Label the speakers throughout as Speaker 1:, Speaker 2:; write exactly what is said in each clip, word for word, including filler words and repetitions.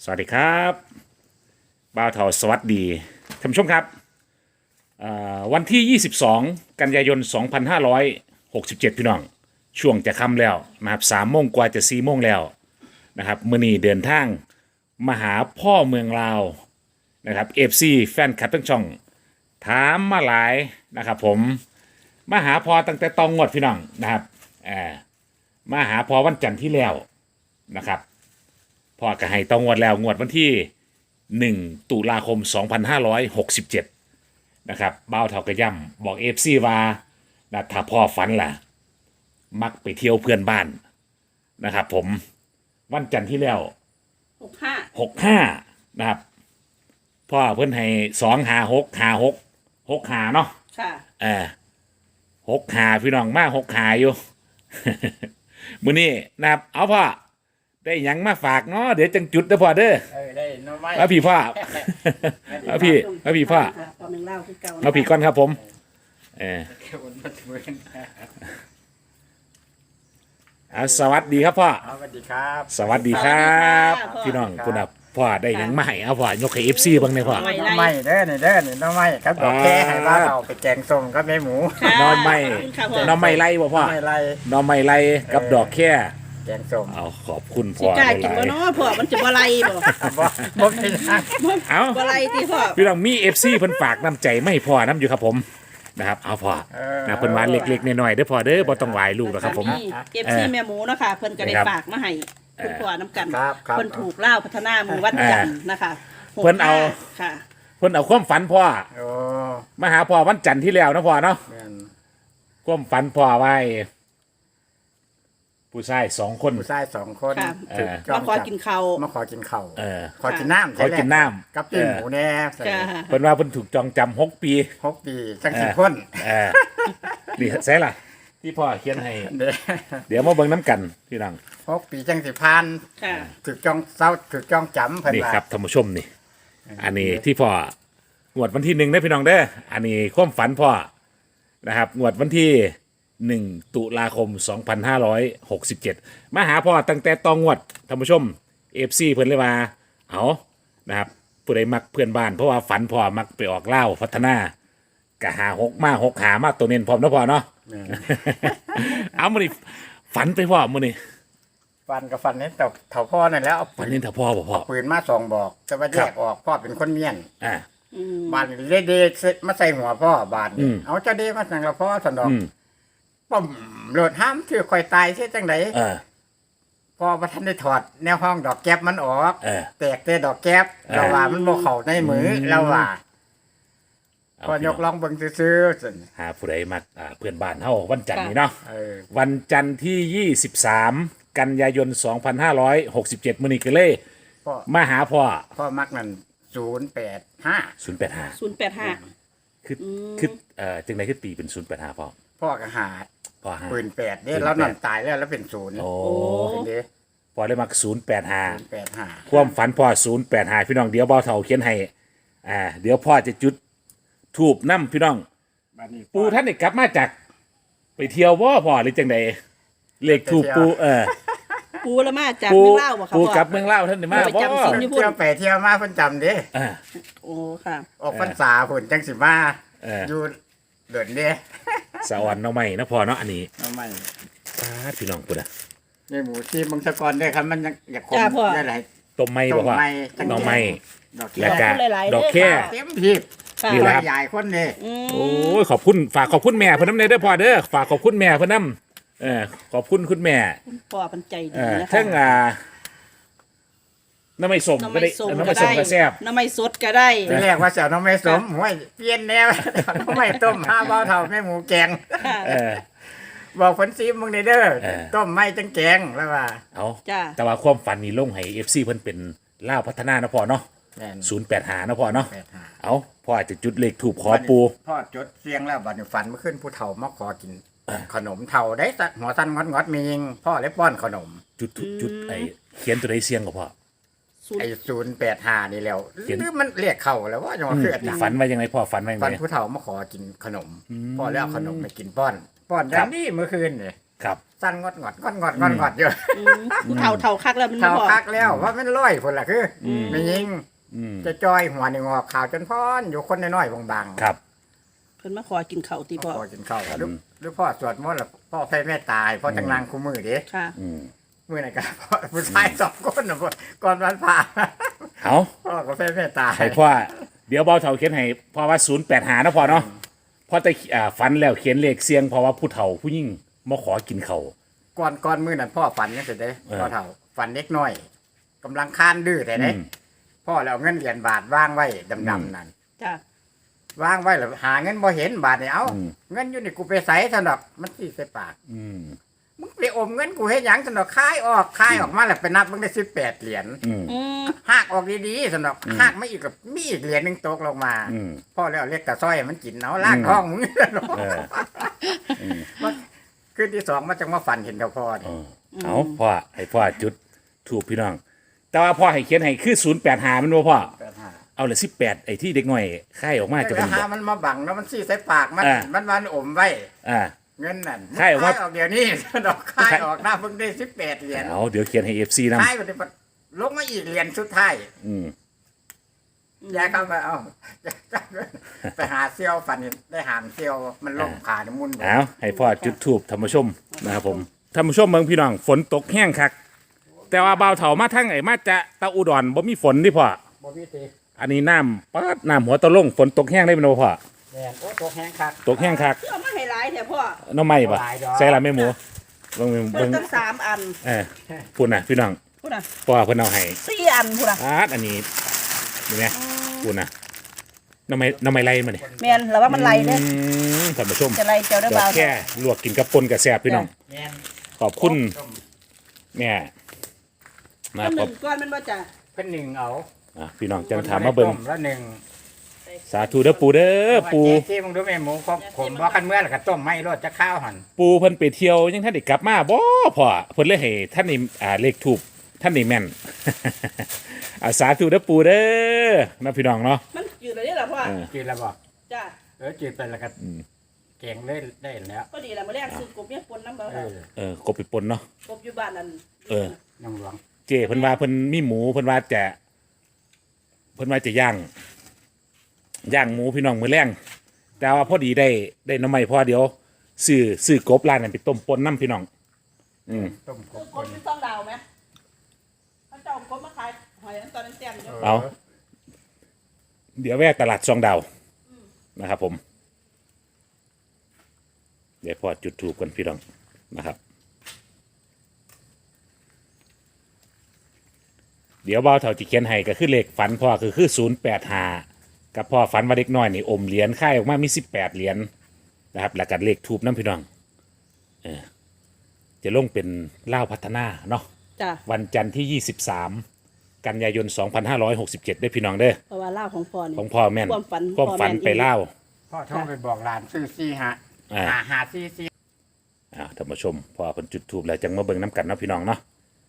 Speaker 1: สวัสดีครับบ่าวเถาสวัสดีท่านผู้ชมครับเอ่อวันที่ ยี่สิบสอง กันยายน สองพันห้าร้อยหกสิบเจ็ด พี่น้อง ช่วงจะค่ำแล้วนะครับสามโมงกว่าจะสี่โมงแล้วนะครับมื้อนี้เดินทางมาหาพ่อเมืองลาวนะครับ เอฟ ซี แฟนคลับทั้งช่องถามมาหลายนะครับผมมาหาพอตั้งแต่ตองงวดพี่น้องนะครับเอ่อมาหาพอวันจันทร์ที่แล้วนะครับ พ่อก็ให้ต้องงวดแล้วงวดวันที่หนึ่งตุลาคมสองพันห้าร้อยหกสิบเจ็ดนะครับบ้าวเท่ากระย่ำบอกเอฟซีว่านะถ้าพ่อฝันล่ะมักไปเที่ยวเพื่อนบ้านนะครับผมวันจันทร์ที่แล้ว
Speaker 2: หกห้า
Speaker 1: หกห้านะครับพ่อเพื่อนให้สองหาหกหาหกหกหาเนาะ
Speaker 2: ค่ะ
Speaker 1: เออหกหาพี่น้องมาหกหาอยู่ มื้อนี้นะครับเอาพ่อได้หยังมาฝากเนาะเดี๋ยวจังจุดเด้อพ่อเด้อ
Speaker 3: เออได้หน้อไม้
Speaker 1: เอาพี่พ่อ เอาพี่เอาพี่พ่อ
Speaker 2: ตอนหนึ่งเล่าคือเก่า
Speaker 1: เอาพี่ก่อนครับผมเออ
Speaker 3: เก็บมันมาถึงเว้น
Speaker 1: เอาสวัสดีครับพ่อ
Speaker 3: เอาสวัสดีครับ
Speaker 1: สวัสดีครับ พี่น้องคุณอับพ่อได้หยังมาให้เอาพ่อยกให้เอฟซีบ้างเนี่ยพ่อ
Speaker 3: หน้อไม้เด้อนี่เด้อนี่หน้อไม้ครับดอกแค่ให้บ้านเราไปแกงส้มกับแม่หมู
Speaker 1: น้องไม่น้องไม่ไล่บ่พ่อ
Speaker 3: ไม่ไร
Speaker 1: น้องไม่ไล่กับดอกแค่
Speaker 3: แกงส้ม
Speaker 1: เอาขอบคุณ
Speaker 2: สิ
Speaker 1: พ่อก
Speaker 2: ล้า
Speaker 1: ห
Speaker 2: กิน
Speaker 1: ลา
Speaker 2: บ่
Speaker 1: ย
Speaker 2: เนาะพ่อมันจะบ่ไรบ่
Speaker 3: บ่บ่เป็นทาง
Speaker 1: ๆเอา
Speaker 2: บ่ไรที่พ่อ
Speaker 1: พี่น้องมีเอฟซีเพิ่นฝากน้ำใจไม่พ่อน้ำอยู่ครับผมนะครับเอาพ่อนะเพิ่นว่าเล็กๆน้อยๆเด้อพ่อเด้อบ่ต้องหลายลูกหรอกครับผม
Speaker 2: เก็บซี่แม่หมูเนาะค่ะเพิ่นก็ได้
Speaker 1: ครับ
Speaker 2: ฝากมาให้คุณพ่อน้ำกัน
Speaker 3: ครับครับ
Speaker 2: เพิ่นถูกเล่าพัฒนามือวันจันทร์นะคะหก
Speaker 1: เพิ่นเอา
Speaker 2: ค่ะ
Speaker 1: เพิ่นเอาความฝันพ่อ
Speaker 3: โอ้
Speaker 1: มาหาพ่อวันจันทร์ที่แล้วนะพ่อเนาะ
Speaker 3: แม่น
Speaker 1: ความฝันพ่อไว้ผู้ชายสองคน
Speaker 3: ผู้ชายสองคน
Speaker 2: ค่ะ
Speaker 3: ถูกจ้
Speaker 2: มา
Speaker 3: อง
Speaker 2: ขอ
Speaker 3: จับ
Speaker 2: กินข้าว
Speaker 3: มาขอกินข้าว
Speaker 1: เออ
Speaker 3: ขอกินน้ำ
Speaker 1: ขอกินน้ำ
Speaker 3: กับปิ้งหมูแน่ใส่
Speaker 2: ค่ะ
Speaker 1: เพิ่นว่าเพิ่นถูกจองจำหกปี
Speaker 3: หกปีจังสิ
Speaker 1: เออ
Speaker 3: คน
Speaker 1: เออนี่ใช่ล่ะ ที่พ่อเขียนให้
Speaker 3: เด้อ
Speaker 1: เดี๋ยวมาเบิ่งน้ำกันพี่น้อง
Speaker 3: หกปีจังสิพัน
Speaker 2: ค่ะ
Speaker 3: ถูกจ้องเศร้าถูกจ้องจำเพิ่น
Speaker 1: นี่
Speaker 3: ว่า
Speaker 1: ครับท่านผู้ชมนี่ อันนี้ที่พ่องวดวันที่หนึ่งนะพี่น้องเด้ออันนี้ความฝันพ่อนะครับงวดวันที่หนึ่งตุลาคมสองพันห้าร้อยหกสิบเจ็ดมาหาพ่อตั้งแต่ตองงวดท่านผู้ชมเอฟซีเพิ่นเลยว่าเอานะครับผู้ใดมักเพื่อนบ้านเพราะว่าฝันพ่อมักไปออกเล่าวพัฒนากะหาหกมาหกหามาตัวเน้นพร้อมนะพ่อเนาะ
Speaker 3: แม่น
Speaker 1: เอามานี่ฝันไปพ่อมานี่
Speaker 3: ฟันกับฟันนี่ตกเถาพ่อนั่นแล้วเอา
Speaker 1: ฝันเน้นถ้าพ่อบ่พ่อ
Speaker 3: ปืนมาสองบอก แต่ว่าแย
Speaker 1: ครั
Speaker 3: ก
Speaker 1: บ
Speaker 3: ออกพ่อเป็นคนเมียน
Speaker 1: อ่า
Speaker 2: อืม
Speaker 3: บานเดเดมาใส่หัวพ่อบาน
Speaker 1: อืม
Speaker 3: เอาเจ้าเดมาสั่งละพ่อสันดอก
Speaker 1: อืม
Speaker 3: ป้อมโหลดห้ามถือคอยตายใช่จังได
Speaker 1: เออ
Speaker 3: พ่อประทันได้ถอดแนวห้องดอกแก๊บมันออก
Speaker 1: เออ
Speaker 3: แตกแต่ดอกแก๊บ
Speaker 1: เออ
Speaker 3: เราว่ามันบ่เข้าในมืออ
Speaker 1: ม
Speaker 3: เราว่า
Speaker 1: เอา
Speaker 3: พอยกลองเบิ่งซื่อๆซั่น
Speaker 1: หาผู้ใดมักอ่าเพื่อนบ้านเฮาวันจันทร์นี้เนาะ
Speaker 3: เออ
Speaker 1: วันจันทร์ที่ ยี่สิบสาม กันยายน สองพันห้าร้อยหกสิบเจ็ดมื้อนี้ก็เลย
Speaker 3: พ่อ
Speaker 1: มาหาพ่อ
Speaker 3: พ่อมักนั่นศูนย์แปดห้า
Speaker 1: ศูนย์แปดห้า
Speaker 2: ศูนย์แปดห้า
Speaker 1: คือ
Speaker 2: อืม
Speaker 1: คือเอ่อจังได๋คือตีเป็นศูนย์แปดห้าพ่อ
Speaker 3: พ่อก็หา
Speaker 1: พ่อห้า
Speaker 3: ปืนแปดเด้
Speaker 1: ปืนแปด
Speaker 3: แล้วนั่นตายแล้วแล้วเป็นศูนย์
Speaker 1: โอ้
Speaker 3: เป็นเด้
Speaker 1: พ่อเลยมักศูนย์แปดห้า
Speaker 3: ศูนย์แปดห้า
Speaker 1: ความฝันพ่อศูนย์แปดห้าพี่น้องเดี๋ยวเบาเฒ่าเขียนให้อ่าเดี๋ยวพ่อจะจุดทูบนำพี่น้อง
Speaker 3: บัดนี้
Speaker 1: ปูท่านได้กลับมาจากไปเที่ยวบ่พ่อหรือจังใดเลขทูบปูเออ
Speaker 2: ปูละมาจาก
Speaker 1: ปู
Speaker 2: เมืองเล่าวบ่ค่ะ
Speaker 1: ปู
Speaker 2: พ่อก
Speaker 1: ลับเมืองเล่าวท่านได้มา
Speaker 2: ไป
Speaker 1: บ่
Speaker 2: จำศีลอยู่
Speaker 3: เที่ยวไปเที่ยวมาเพิ่นจำเด้
Speaker 1: อ่า
Speaker 2: โอ้ค่ะ
Speaker 3: ออกพรรษาพุ่นจังสิมา
Speaker 1: เออ
Speaker 3: อยู่เดินเด้
Speaker 1: สะออนเนาะไม่นะพ่อเนาะอันนี้
Speaker 3: เอาไม่
Speaker 1: ปาดพี่น้องพุ่นน่ะ
Speaker 3: ในหมูที่มังสะกรได้ครับมันยังอยากคม
Speaker 2: จ้าพ่อ
Speaker 3: ได้หลาย
Speaker 1: ต้มไม้บ่พ่อ
Speaker 3: ต้มไม้
Speaker 1: น้องไม้
Speaker 3: ดอก
Speaker 1: แล้
Speaker 3: แก้
Speaker 1: ว
Speaker 3: ว
Speaker 1: ก็
Speaker 2: หลายๆ
Speaker 1: ดอกแค่
Speaker 2: เด้อค่ะ
Speaker 3: เต็มพีบ
Speaker 2: ค่ะ
Speaker 1: นี่แหละครับ
Speaker 3: ใหญ่คนนี่
Speaker 2: อืม
Speaker 1: โอ้ยขอบคุณฝากขอบคุณแม่เพิ่นนำเด้อพ่อเด้อฝากขอบคุณแม่เพิ่นนำเออขอบคุณคุณแม่
Speaker 2: พ่อเพันใจดี
Speaker 1: เออ
Speaker 2: นะคะ
Speaker 1: ทั้งอ่าน้ำไม่สม
Speaker 2: น้ำ
Speaker 1: ก็
Speaker 2: ไม่
Speaker 1: ได้
Speaker 2: ส้ม
Speaker 1: น้ำ
Speaker 2: ก็
Speaker 1: ไม่สม
Speaker 2: ได้
Speaker 1: ก็แซ่บ
Speaker 2: น้ำไม่สดก็ได้
Speaker 3: ที่แรกว่าเสียวน้องไม่สมห้วยเปลี่ยนแนว น้องไม่ต้มห้าเบาเท่าแม่หมูแกง
Speaker 2: ค่ะ
Speaker 1: เออ
Speaker 3: บอกผลซีมึงเด้อ
Speaker 1: เออ
Speaker 3: ต้มไม่จังแกงแล้วว่า
Speaker 1: เอา
Speaker 2: จ้า
Speaker 1: แต่ว่าความฝันนี่ลงให้ เอฟ ซี เพิ่นเป็นล่าวพัฒนานะพ่อเนาะ
Speaker 3: แม่น
Speaker 1: ศูนย์แปดห้านะพ่อเนาะ
Speaker 3: แปดห้า
Speaker 1: เอาพ่ออาจจะจุดเลขถูกขอปู
Speaker 3: พ่อจดเสียงแล้วบัดนี้ฝันเมื่อคืนผู้เฒ่ามาขอกิน ขนมเฒ่าได้สักหัวสั้นงอดงอดๆมียิงพ่อเลยป้อนขนม
Speaker 1: จุดถูกจุดไอ้เขียนตัวใดเสียงกับพ่อ
Speaker 2: ศูนย์
Speaker 3: ไอ้ศูนย์แปดห้านี่แล้ว
Speaker 1: เขียน
Speaker 3: หรือมันเรียกเข้าแล้วว่าจะมา
Speaker 1: อืม
Speaker 3: เคืออาจารย์
Speaker 1: ฝันว่ายังไงพ่อฝันว่ายัง
Speaker 3: ฝัน
Speaker 1: ไง
Speaker 3: ผู้เฒ่ามาขอกินขนม
Speaker 1: อืม
Speaker 3: พ่อแล้วเอาขนมไปกินป้อน ป้อนอ
Speaker 1: ครั
Speaker 3: ย่า
Speaker 1: บ
Speaker 3: งนี้เมื่อคืนเนี่ย
Speaker 1: ครับ
Speaker 3: สั้นงอดงอดงอดงอดงอดงอดอยู่
Speaker 2: อืมผู้เฒ่าเฒ่าคักแล้วมันบ่
Speaker 3: เท่า
Speaker 2: พ่อ
Speaker 3: คักแล้วว่ามันร้อยคนละคืออ
Speaker 1: ม
Speaker 3: ไม่ยิง
Speaker 1: อืม
Speaker 3: จะจอยหัวนี่งอกขาวจนพอนอยู่คนน้อยๆบางๆ
Speaker 1: ครับ
Speaker 2: เพิ่นมาขอกินข้าวติพ่อ
Speaker 3: พ่อกินข้าวหรือหรือพ่อสวดมนต์แล้วพ่อแพ่แม่ตายพ่อจังนางคู่มือเด้
Speaker 2: ค่ะ
Speaker 1: อืม
Speaker 3: มือไหนกันพ่อผู้ชายสองคนนะพ่อก่อนวันผ่า
Speaker 1: เอา
Speaker 3: พ่อก็แพ่แม่ตาย
Speaker 1: ให้พ่อเดี๋ยวเบาเฒ่าเขียนให้พ่อว่าศูนย์แปดหานะพ่อเนาะพ่อแต่อ่าฝันแล้วเขียนเลขเสียงเพราะว่าผู้เฒ่าผู้ยิ่งมาขอกินเขาว
Speaker 3: ก่อนก่อนมือนั้นพ่อฝันยังสิเด้
Speaker 1: เออ
Speaker 3: พ่อเฒ่าฝันเล็กน้อยกำลังคานดื้อแต่เด้
Speaker 1: อืม
Speaker 3: พ่อแล้วเอาเงินเหรียญบาทวางไว้ดำๆนั่น
Speaker 2: จ้ะ
Speaker 3: วางไว้แล้วหาเงินบ่เห็นบาทนี่เอ้า
Speaker 1: อืม
Speaker 3: เงินอยู่นี่กูไปใส่ถนอกมันสิใส่ปาก
Speaker 1: อืม
Speaker 3: มึงไปอมเงินกูเฮ็ดหยังถนอกคายออกคายออกมาแล้วไปนับมึงได้สิบแปดเหรียญ
Speaker 1: อืม
Speaker 2: อืม
Speaker 3: หากออกดีๆถนอกหากไม่อีกกับมีอีกเหรียญหนึงตกลงมา
Speaker 1: อืม
Speaker 3: พ่อแล้วเรียกตาสร้อยมันกินเอาลากท้องมึงถนอก
Speaker 1: เออ
Speaker 3: มันคืนที่สองมันจังมาฝันเห็นกับพ่อ
Speaker 1: เอ
Speaker 3: นี่
Speaker 1: อเอาพ่อให้พ่อจุดถูกพี่น้อง แต่ว่าพ่อให้เขียนให้คือศูนย์แปดหามันบ่พ่อ
Speaker 3: แปดห้า
Speaker 1: เอาเลยสิบแปดไอ้ที่เด็กน้อยค่ายออกมาจะ
Speaker 3: แล้
Speaker 1: เป็
Speaker 3: วน หา
Speaker 1: บ่
Speaker 3: มันมาบังแล้วมันซี่ใส่ปากมัน
Speaker 1: อ่า
Speaker 3: มันวันอมไว้
Speaker 1: อ่า
Speaker 3: เงินนั่น
Speaker 1: คายออกมา
Speaker 3: ออกเดี๋ยวนี้ ดอกคายออกหน้าเพิ่งได้สิบแปดเหรียญ
Speaker 1: เอาเดี๋ยวเขียนให้เอฟซีนำ
Speaker 3: คายไปได้ลงมาอีกเหรียญสุดท้าย
Speaker 1: อืม
Speaker 3: ยายเข้าไปเอ้า ไปหาเซี่ยวฝันเห็นได้หามเซี่ยวมันล่มขาดมุน
Speaker 1: เอาให้พ่อจุดทูบธรรมชมนะครับผมธรรมชมเมืองพี่น้องฝนตกแห้งคัก แต่ว่าเบาวเถามาทั้งไอ้มาจะตะอุดรบ่มีฝนที่พ่อ
Speaker 3: บ่มีตี
Speaker 1: อันนี้น้ำปัดน้ำหัวตะลงฝนตกแห้งได้เป็นบ่พ่อ
Speaker 3: แดงโอ้ตัวแห้งคัก
Speaker 1: ตกแห้งคัก
Speaker 2: เอามาให้หลายแท้พ่อ
Speaker 1: หน้ำไม้ปะ
Speaker 3: หลายดอก
Speaker 1: ใส่ละแม่หมูเบิ่ง
Speaker 2: เพิ่
Speaker 1: เบิ่
Speaker 2: น
Speaker 1: ง
Speaker 2: ตั้งสามอัน
Speaker 1: เออพูดนะพี่น้อง
Speaker 2: พูดน่ะ
Speaker 1: พ่อเพิ่นเอาให้
Speaker 2: สี่อันพูดน่ะ
Speaker 1: อาดอันนี้นี่ไงพูดนะน้ำไม้น้ำไม้ไรมาเนี่ย
Speaker 2: แม่นแล้วว่ามันไหลเด้อ
Speaker 1: ท่านผู้ชม
Speaker 2: จะไหลเจ้าได้
Speaker 1: ดอ
Speaker 2: บ่าก ว
Speaker 1: แค่ลวกกินกับปนกับแซ่บพี่น้อง
Speaker 3: แม่น
Speaker 1: ขอบคุณแม่นะ
Speaker 2: อันห
Speaker 1: ครั
Speaker 2: นึ่
Speaker 1: บ
Speaker 2: งก้อนมันบ่จ้ะ
Speaker 3: เพิ่นหนึ่งเอา
Speaker 1: อ่ะพี่น้องจังถามมาเบิ่ง
Speaker 3: ต้แล้วหนึ่ง
Speaker 1: สาธุเด้อปูเด้อปู
Speaker 3: เจ๊ที่มึงดูแม่หมูผมผมบ่คันเมื่อแล้วก็ต้มไม่รสจะข้าวหั่น
Speaker 1: ปูเพิ่นไปเที่ยวยังท่านได้กลับมาบ่พ่อเพิ่นเลยให้ท่านนี่อ่าเลขถูกท่านนี่แม่น อ่าสาธุเด้อปูเด้อนะพี่น้องเนาะ
Speaker 2: มันอยู่เลยนี่ล่ะพ่อ
Speaker 1: เออ
Speaker 3: จืดแล้วบ่
Speaker 2: จ้ะ
Speaker 3: เออจืดไปแล้วก็
Speaker 1: อืม
Speaker 3: แกงเลยได้แล้ว
Speaker 2: ก็ดีล่ะมื้อแรกซื้อกบเนี่ยปนน้ำบ่
Speaker 3: เออ
Speaker 1: เออกบไปปนเนาะ
Speaker 2: กบอยู่บ้านนั่น
Speaker 1: เออ
Speaker 3: น้องหลวง
Speaker 1: เจเพิ่นว่าเพิ่นมีหมูเพิ่นว่าจะเพิ่นว่าจะย่างย่างหมูพี่น้องมื้อแรงแต่ว่าพอดีได้ได้หน้ำใหม่พอเดี๋ยวซื้อซื้อกบร้านนั้นไปต้มปนน้ำพี่น้อง อืม
Speaker 3: ต้มก
Speaker 2: ซื้
Speaker 3: บ
Speaker 2: อกบที่ต้องดาวไหมเขาเจ้าเอากบมาขายหอยอันตอนนั้นแต้มอยู่
Speaker 1: เอา เดี๋ยวแวะตลาดซองดาวนะครับผม เดี๋ยวพอจุดถูกกันพี่น้องนะครับ เดี๋ยวเบาเท่าที่เขียนให้ก็คือเลขฝันพ่อคือคือศูนย์แปดห้ากับพ่อฝันว่าเด็กน้อยนี่อมเหรียญค่ายออกมามีสิบแปดเหรียญนะครับแล้วก็เลขทูบน้ำพี่น้องเออจะลงเป็นเล่าวพัฒนาเนาะ
Speaker 2: จ้ะ
Speaker 1: วันจันทร์ที่ยี่สิบสามกันยายนสองพันห้าร้อยหกสิบเจ็ดได้พี่น้องเด้อ
Speaker 2: เพราะว่าเล่าของพ่อนี่
Speaker 1: ของพ่อแม่น
Speaker 2: ความฝัน
Speaker 1: ความฝัน
Speaker 2: พ่อแม่น
Speaker 1: ไปเล่าว
Speaker 3: พ่อโทรไปบอกหลานซื้อซี่ฮะ
Speaker 1: อ่า
Speaker 3: หาหาซี่ซี่
Speaker 1: อ่าท่านผู้ชมพอเพิ่นจุดทูบแล้วจังมาเบิ่งน้ำกันเนาะพี่น้องเนาะ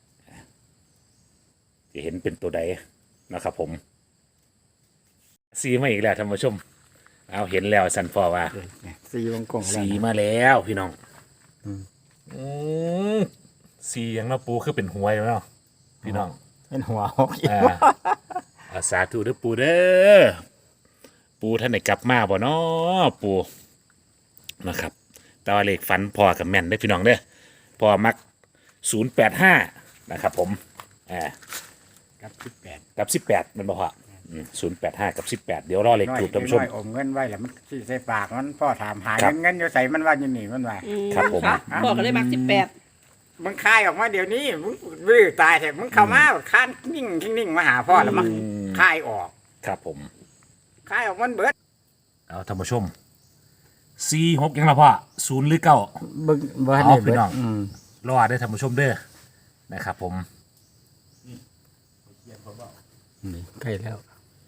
Speaker 1: จะเห็นเป็นตัวใดนะครับผมสีมาอีกแล้วท่านผู้ชม เอาเห็นแล้วสันฟอว่า
Speaker 3: ซี่วงกงแล้ว
Speaker 1: สี
Speaker 3: นะ
Speaker 1: มาแล้วพี่น้องอืมสีอย่างเนาะปูคือเป็นหวยเนาะพี่น้อง
Speaker 3: เป็นหัวหกอีก
Speaker 1: อ่าอาสาธุเด้อปูเด้อปูท่านไหนกลับมาบ่เนาะปูนะครับแต่ว่าเลขฝันพอกับแม่นได้อพี่น้องเด้อพอมักศูนย์แปดห้านะครับผมอ่า
Speaker 3: กับสิบแปด
Speaker 1: กับสิบแปดมันบอกว่าศูนย์แปดห้ากับสิบแปดเดี๋ยวรอเลขถูกท่านผู้ชม
Speaker 3: น้อยอมเงินไว้แล้วมันซี่ใส่ปากมันพ่อถามหา
Speaker 1: ครั
Speaker 3: เงิ
Speaker 1: บ
Speaker 3: นเงินอยู่ใส่มันว่าอยู่นี่มันว่า
Speaker 2: อืม
Speaker 1: ครับผม
Speaker 2: ะพ่อก็เลยมักสิบแปด
Speaker 3: มึงคายออกมาเดี๋ยวนี้มึงบื้อตายแท้มึงเข้ามาค้านนิ่งนิ่งมาหาพ่อแล้วมันคายออก
Speaker 1: ครับผม
Speaker 3: คายออกมันเบิด
Speaker 1: เอาท่านผู้ชมสี่หกยังละพ่อศูนย์หรือเก้า
Speaker 3: บึงบ่
Speaker 1: เอาพี่น้อง
Speaker 3: ม
Speaker 1: รอได้อท่านผู้ชมเด้อนะครับผม
Speaker 3: นี่ใกล้แล้ว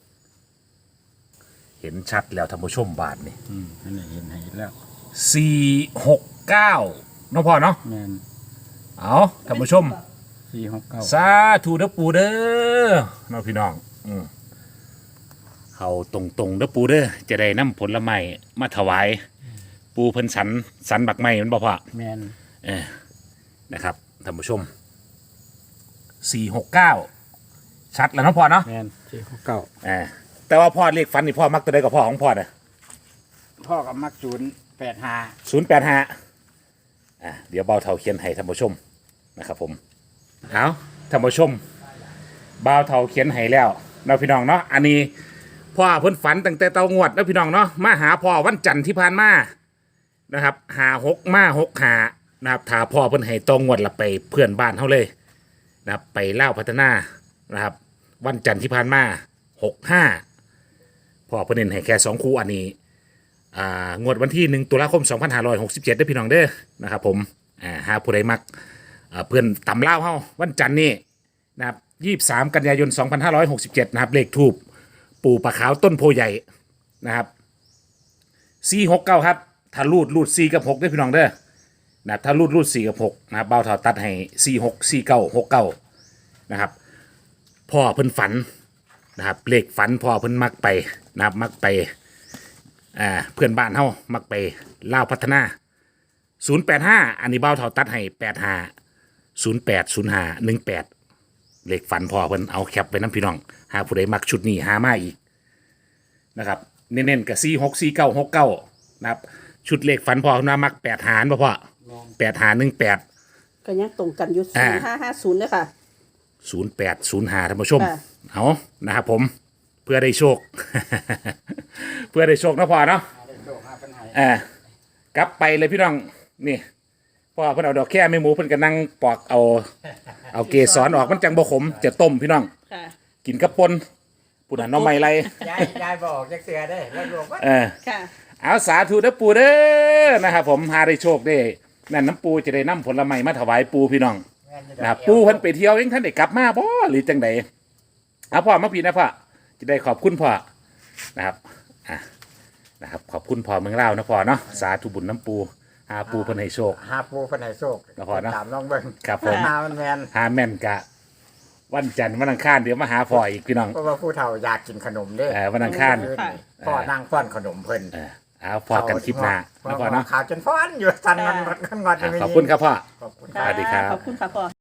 Speaker 1: เห็นชัดแล้วท่านผู้ชมบาทนี่
Speaker 3: อืมอันนี้เห็นเห็นแล้ว
Speaker 1: สี่หกเก้าน้องพ่อเนาะ
Speaker 3: แม่น
Speaker 1: เอาท่านผู้ชม
Speaker 3: สี่หกเก้า
Speaker 1: สาธุเด้อปูเด้อน้องพี่น้องอืมเขาตรงตรงๆเด้อปูเด้อจะได้นำผลไม้มาถวาย ปูเพิ่นสันสันบักไม้มันบ่พ่อ
Speaker 3: แม่น
Speaker 1: เออนะครับท่านผู้ชมสี่หกเก้าชัดแล้วเนาะพ่อเนาะ
Speaker 3: แมนสี่หกเก้า
Speaker 1: อ่าแต่ว่าพ่อเลขฝันนี่พ่อมักตัวใดกับพ่อของพ่อน่ะ
Speaker 3: พ่อกับมักศูนย์แปดห้า
Speaker 1: ศูนย์แปดห้าอ่าเดี๋ยวเบาเท่าเขียนให้ท่านผู้ชมนะครับผมเอาท่านผู้ชมเบาเท่าเขียนให้แล้วเราพี่น้องเนาะอันนี้พ่อเพิ่นฝันตั้งแต่เตางวดแล้วพี่น้องเนาะมาหาพ่อวันจันทร์ที่ผ่านมานะครับหาหกมาหกหานะครับถ้าพ่อเพิ่นให้ตองงวดละไปเพื่อนบ้านเฮาเลยนะครับไปเล่าวพัฒนานะครับวันจันทร์ที่ผ่านมาหกห้าพ่อเพิ่นเน้นให้แค่สองคู่อันนี้ อ่างวดวันที่หนึ่งตุลาคมสองพันห้าร้อยหกสิบเจ็ดได้อพี่น้องเด้อนะครับผมอ่าหาผู้ใดมักอ่าเพื่อนตำเล่าวเฮาวันจันทร์นี้นะครับยี่สิบสามกันยายนสองพันห้าร้อยหกสิบเจ็ดนะครับเลขทูบปู่ปะขาวต้นโพใหญ่นะครับสี่หกเก้าครับถ้ารูดรูดสี่กับหกได้อพี่น้องเด้อนะครับถ้ารูดรูดสี่กับหกนะครับเบาเท่าตัดให้สี่หกสี่เก้าหกเก้านะครับพ่อเพิ่นฝันนะครับเลขฝันพ่อเพิ่นมักไปนะครับมักไป อ่าเพื่อนบ้านเฮามักไปลาวพัฒนาศูนย์แปดห้าอันนี้เบ้าเท่าตัดให้แปดห้าศูนย์แปดศูนย์ห้าหนึ่งแปดเลขฝันพอเพิ่นเอาแคปไปน้ำพี่น้องหาผู้ใดมักชุดนี้หามาอีกนะครับเน้นๆกับสี่หกสี่เก้าหกเก้านะครับชุดเลขฝันพอเพิ่นมามักแปดหารบ่พ่อแปดหารหนึ่งแปด
Speaker 2: ก็ยังตรงกันอยู่
Speaker 1: อ่า
Speaker 2: ศูนย์ห้าห้าศูนย์เลยค่ะ
Speaker 1: ศูนย์แปดศูนย์ห้าท่านผู้ชม
Speaker 2: ค่ะ
Speaker 1: เอานะครับผมเพื่อได้โชค เพื่อได้โชคนะพ่อเนาะ อ่ากลับไปเลยพี่น้องนี่พ่อเพิ่นเอาดอกแค่ไม่หมูเพิ่นก็นั่งปอกเอาเอาเกสรออกมันจังบ่ขมจะต้มพี่น้อง
Speaker 2: ค่ะ
Speaker 1: กินกับปนปุ่นน่ะหน้องใหม่ไร
Speaker 3: ยายยายบอกจักเสือได้แล้วรวมว่า
Speaker 1: เออ
Speaker 2: ค่ะ
Speaker 1: เอาสาธุเด้อปู่เด้อนะครับผมหาได้โชคได้นั่นน้ำปูจะได้นำผลไม้มาถวายปูพี่น้องนะครับปูเพิ่นไปเที่ยวเองท่านได้กลับมาบ่หรือจังใดเอาพ่อมาพี่นะพ่อจะได้ขอบคุณพ่อนะครับอ่ะนะครับขอบคุณพ่อเมืองลาวนะพ่อเนาะสาธุบุญน้ำปูหาปูเพิ่นให้โชค
Speaker 3: หาปูเพิ่นให้โชค
Speaker 1: แล้วพอเนาะ
Speaker 3: ตามน้องเบิ่ง
Speaker 1: ครับผม
Speaker 3: หามันแมน
Speaker 1: หาแม่นกะวันจันทร์วันอังคารเดี๋ยวมาหาพ่ออีกพี่น้อง
Speaker 3: เพราะว่าผู้เฒ่าอยากกินขนมเด้
Speaker 1: เออวันอังคาร
Speaker 2: ค่ะ
Speaker 3: พ่อนั่งฟ้อนขนมเพิ่น
Speaker 1: เออเอาพอกันคลิปหน้า
Speaker 3: พ่อ
Speaker 1: นะพ่อเนาะ
Speaker 3: ขาจนฟ้อนอยู่สันมันงอนงอน
Speaker 1: อ่ะ
Speaker 3: ไม่มี
Speaker 1: ขอบคุณครับพ่อ
Speaker 3: ขอบคุณ
Speaker 1: สวัสดีครับ
Speaker 2: ขอบคุณค่ะพ่อ